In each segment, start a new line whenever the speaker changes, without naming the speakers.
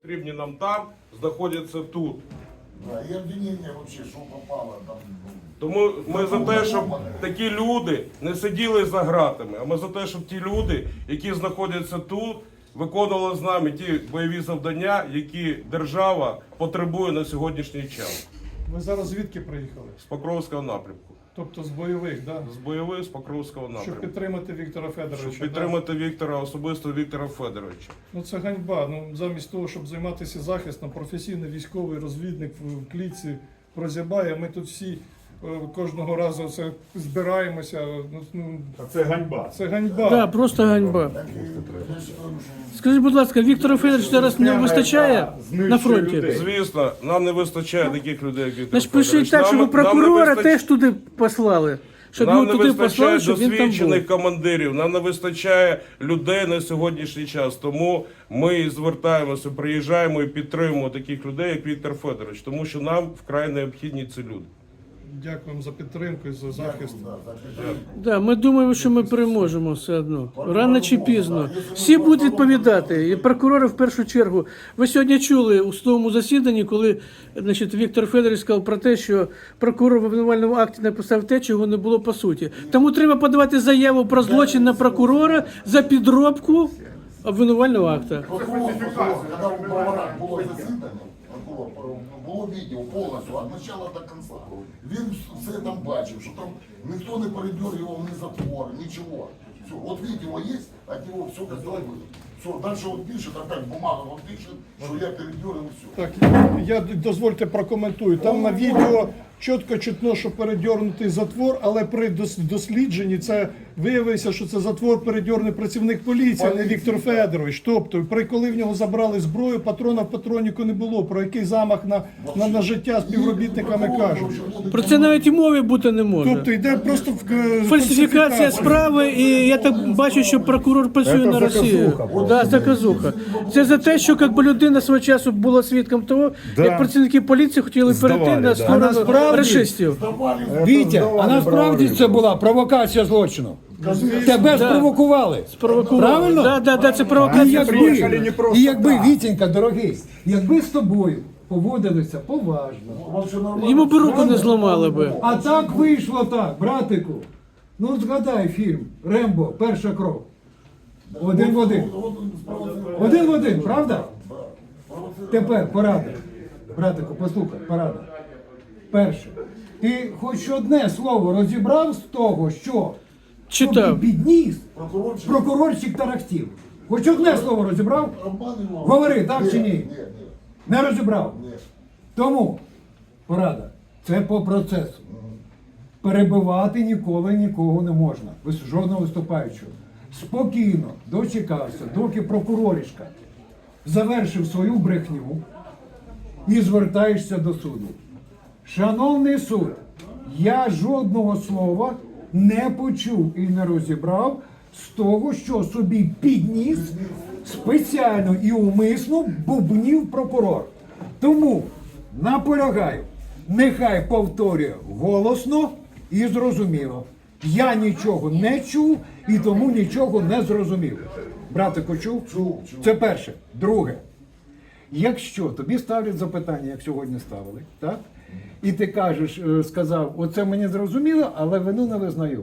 потрібні нам там, знаходяться тут.
Да, и обвинение вообще, что попало там.
Тому ми за те, щоб такі люди не сиділи за ґратами, а ми за те, щоб ті люди, які знаходяться тут, виконували з нами ті бойові завдання, які держава потребує на сьогоднішній час.
Ви зараз звідки приїхали?
З Покровського напрямку.
Тобто з бойових, да?
З бойових, з Покровського
Щоб
напрямку.
підтримати Віктора Федоровича.
Щоб підтримати Віктора, особисто Віктора Федоровича.
Ну це ганьба. Ну замість того, щоб займатися захистом, професійний військовий розвідник в клітці прозябає. Ми тут всі кожного разу це збираємося.
Це ганьба.
Це ганьба.
Да, просто ганьба. Скажіть, будь ласка, Віктора Федоровича зараз не вистачає на фронті?
Звісно, нам не вистачає таких людей, як Віктор
Значить, пишіть
Федорович.
так, щоб
Нам не
прокурора
вистачає-
теж туди послали. Щоб
Нам
його
не
туди
вистачає
послали, щоб він там був.
досвідчених командирів, нам не вистачає людей на сьогоднішній час. Тому ми звертаємося, приїжджаємо і підтримуємо таких людей, як Віктор Федорович, тому що нам вкрай необхідні ці люди.
Дякуємо за підтримку і за захист.
Да, ми думаємо, що ми переможемо все одно. Рано чи пізно. Всі будуть відповідати. І прокурори в першу чергу. Ви сьогодні чули у судовому засіданні, коли значить, Віктор Федорович сказав про те, що прокурор в обвинувальному акті написав те, чого не було по суті. Тому треба подавати заяву про злочин на прокурора за підробку обвинувального акта.
Прокурор, когда у Бровара было засідання, прокурор, було відео повністю, від початку до кінця. Він все там бачив, що там ніхто не передергивав ні затвор, нічого. Все, от відео є, от нього все готове. Все, дальше он пишет, опять бумага, он пишет, що я передергивал, все.
Так, я дозвольте прокоментую. Там на відео чітко чутно, що передьорнутий затвор, але при дослідженні це виявилося, що це затвор передьорний працівник поліції, а не Віктор Федорович. Тобто, коли в нього забрали зброю, патрона в патроніку не було. Про який замах на життя співробітниками кажуть.
Про це навіть і мови бути не може.
Тобто йде просто
Фальсифікація справи, і я так бачу, що прокурор працює на Росію. Да, заказуха. Це за те, що якби людина свого часу була свідком того, як працівники поліції хотіли перейти на сторону рашистів.
Вітя, а насправді це була провокація злочину. Тебе спровокували. Правильно?
Да, це провокація.
І якби, Вітенька, дорогий, якби з тобою поводилися поважно,
Йому б руку не зламали би.
а так вийшло так, братику. Ну згадай фільм «Рембо. Перша кров». Один в один. Один в один, правда? Тепер порада. Братику, послухай, порада. Перше. Ти хоч одне слово розібрав з того, що
Читав.
тобі підніс прокурорчик тарахтів. Хоч одне слово розібрав? Говори, так чи ні? Не розібрав? Тому, порада, це по процесу. Перебивати ніколи нікого не можна. Жодного виступаючого. Спокійно дочекався, доки прокуроришка завершив свою брехню і звертаєшся до суду. Шановний суд, я жодного слова не почув і не розібрав з того, що собі підніс спеціально і умисно бубнів прокурор. Тому наполягаю, нехай повторює голосно і зрозуміло. Я нічого не чув і тому нічого не зрозумів. Братику, чув?
Чув.
Це перше. Друге. Якщо тобі ставлять запитання, як сьогодні ставили, так? І ти кажеш, сказав, оце мені зрозуміло, але вину не визнаю.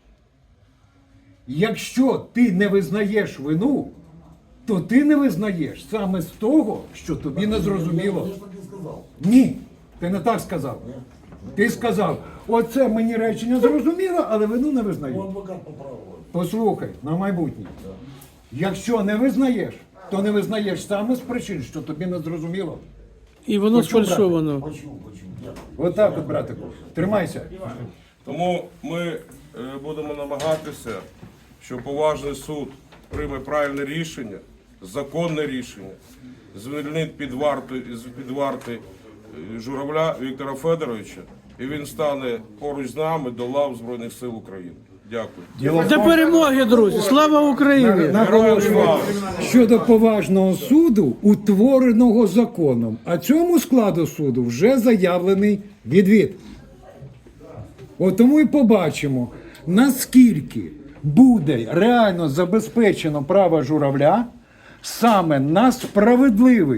Якщо ти не визнаєш вину, то ти не визнаєш саме з того, що тобі не зрозуміло. Ні, ти не так сказав. Ти сказав, оце мені речення зрозуміло, але вину не визнаю. Послухай, на майбутнє. Якщо не визнаєш, то не визнаєш саме з причин, що тобі не зрозуміло.
І воно сфальшовано.
Отак от, братику. Тримайся.
Тому ми будемо намагатися, щоб поважний суд прийме правильне рішення, законне рішення, звільнить під варти Журавля Віктора Федоровича, і він стане поруч з нами до лав Збройних сил України. Дякую.
До перемоги, друзі! Слава Україні!
Наголошую щодо поважного суду, утвореного законом, а цьому складу суду вже заявлений відвід. От тому і побачимо, наскільки буде реально забезпечено право Журавля саме на справедливий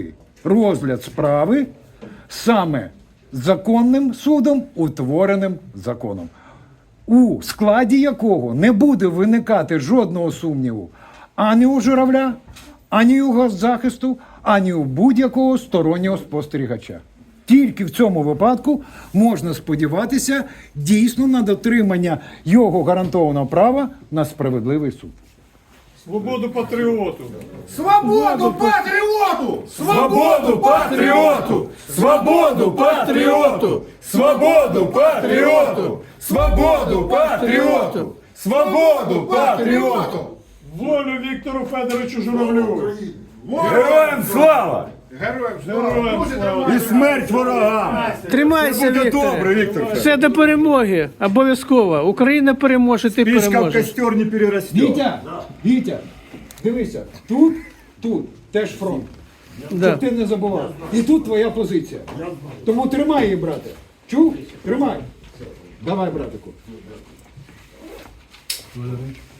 розгляд справи саме законним судом, утвореним законом, у складі якого не буде виникати жодного сумніву ані у Журавля, ані у госзахисту, ані у будь-якого стороннього спостерігача. Тільки в цьому випадку можна сподіватися дійсно на дотримання його гарантованого права на справедливий суд.
Свободу патріоту!
Свободу патріоту! Свободу патріоту! Свободу патріоту! Свободу патріоту! Свободу патріоту! Свободу патріоту!
Волю Віктору Федоровичу Журавлю!
Героям слава!
Героям слава!
І смерть ворогам!
Тримайся,
Буде
Вікторе.
добре, Віктор.
Все до перемоги. Обов'язково. Україна переможе, ти
Пішка в
переможеш.
костер не переросте.
Вітя, дивися, тут теж фронт.
Да.
Щоб ти не забував. І тут твоя позиція. Тому тримай її, брате. Чув? Тримай. Давай, братику.